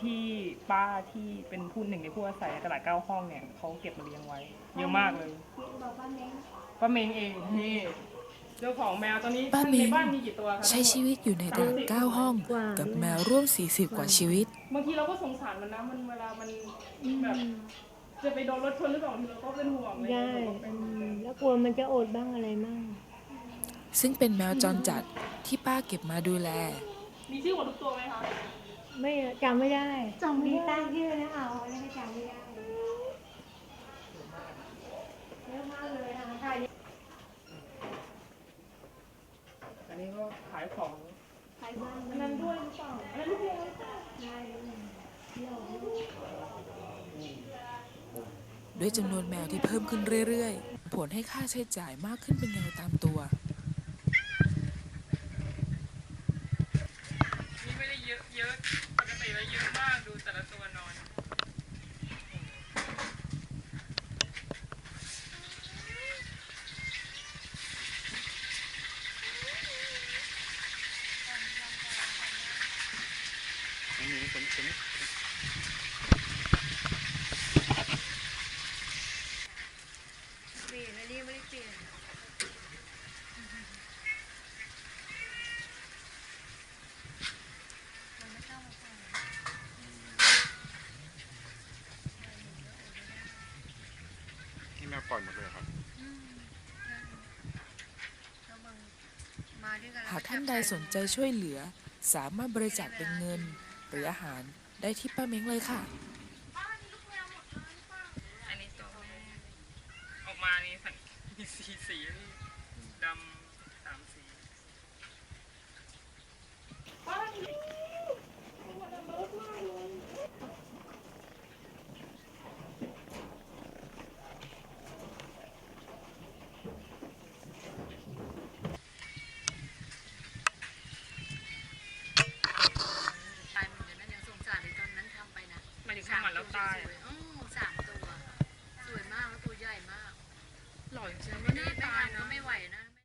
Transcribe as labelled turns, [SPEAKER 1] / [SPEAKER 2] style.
[SPEAKER 1] ที่ป้าที่เป็นผู้หนึ่งในผู้อาศัยตลาด9 ห้องเนี่ยเขาเก็บมาเลี้ยงไว้เยอะมากเลยป้าเม้งเองนี่เจ้าของแมวตอนนี้
[SPEAKER 2] ป้า
[SPEAKER 1] ใน
[SPEAKER 2] เม้ง
[SPEAKER 1] บ้านมีกี่ตัวคะ
[SPEAKER 2] ใช้ชีวิตอยู่ในตลาด9 ห้องกับแมวร่วม40 กว่าชีวิต
[SPEAKER 1] บางทีเราก็สงสารมันนะมันเวลามันแบบจะไปโดนรถชนหรือเปล่าทีเราก็เป็นห่วงเลย
[SPEAKER 3] ใช่แล้วกลัวมันจะอดบ้างอะไรบ้าง
[SPEAKER 2] ซึ่งเป็นแมวจรจัดที่ป้าเก็บมาดูแล
[SPEAKER 1] มีชื่อหมดทุกตัวไหมคะ
[SPEAKER 3] ไม่จำไม่ได้มีตั้งชื่อนะเอาแล้วก็จำไม่ได้เยอะมากเลยนะคะ
[SPEAKER 1] อันนี้ก็ขายของ
[SPEAKER 3] ขายบ้าน
[SPEAKER 1] อันนั้นด้วยหรือเปล่าอันนั้นลูกเดียว
[SPEAKER 3] ใช่เที่ยว
[SPEAKER 2] ด้วยจำนวนแมวที่เพิ่มขึ้นเรื่อยๆผลให้ค่าใช้จ่ายมากขึ้นเป็นเงาตามตัว
[SPEAKER 1] นี่ไม่ได้เยอะปกติแล้วเยอะมากดูแต่ละตัวนอน
[SPEAKER 3] เปลี่ยนอันนี้ไม่ได้เปลี่ยน
[SPEAKER 4] นี่แมวปล่อยหมดเลยครับ
[SPEAKER 2] หากท่านใดสนใจช่วยเหลือสามารถบริจาคเป็นเงินหรืออาหารได้ที่ป้าเม้งเลยค่ะ
[SPEAKER 1] อันนี้ตัวแม่ออกมานี่มีสี